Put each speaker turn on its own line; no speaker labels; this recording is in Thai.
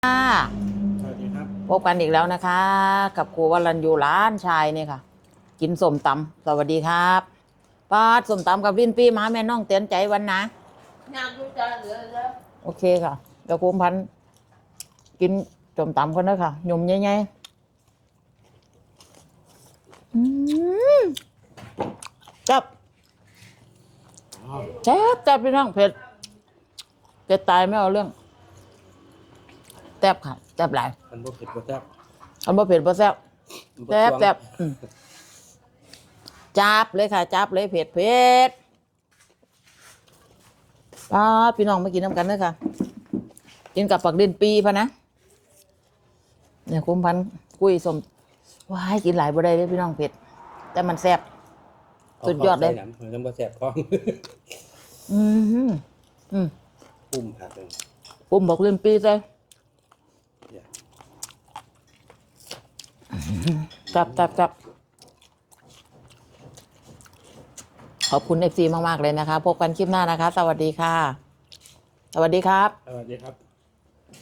สวัสดีครับ
พบกันอีกแล้วนะคะ กับครูวรัญญูร้านชายเนี่ยค่ะ กินส้มตำสวัสดีครับป้าส้มตำกับลิ้นปี้มาแม่น้องเตือนใจวันนะ
งานดูจานเหลือแล้ว
โอเคค่ะเดี๋ยวครูพันธุ์กินส้มตำกันนะค่ะหยุ่มใหญ่ๆจับจับพี่น้องเผ็ดตายไม่เอาเรื่องแซ่บค่ะแซ่บหลาย
มันบ่เผ็ดบ่แซ่บ
อันบ่เผ็ดบ่แซ่บ
มันบ่
แซ่บ
ตวง
แซ่บจับเลยค่ะจับเลยเผ็ดพี่น้องมากินน้ำกันเลยค่ะกินกับปักดินปีพะนะเนี่ยคุ้มพันกุ้ยสมว้ายกินหลายบ่ได้เลยพี่น้องเผ็ดแต่มันแซ่บสุดยอดเลย
มันยังบ่แซ่บท้อง ปุ่มผักเลย
ปุ้มปักดินปีเลยจับขอบคุณFC มากๆเลยนะคะพบกันคลิปหน้านะคะสวัสดีค่ะสวัสดีครับ
สวัสดีครับ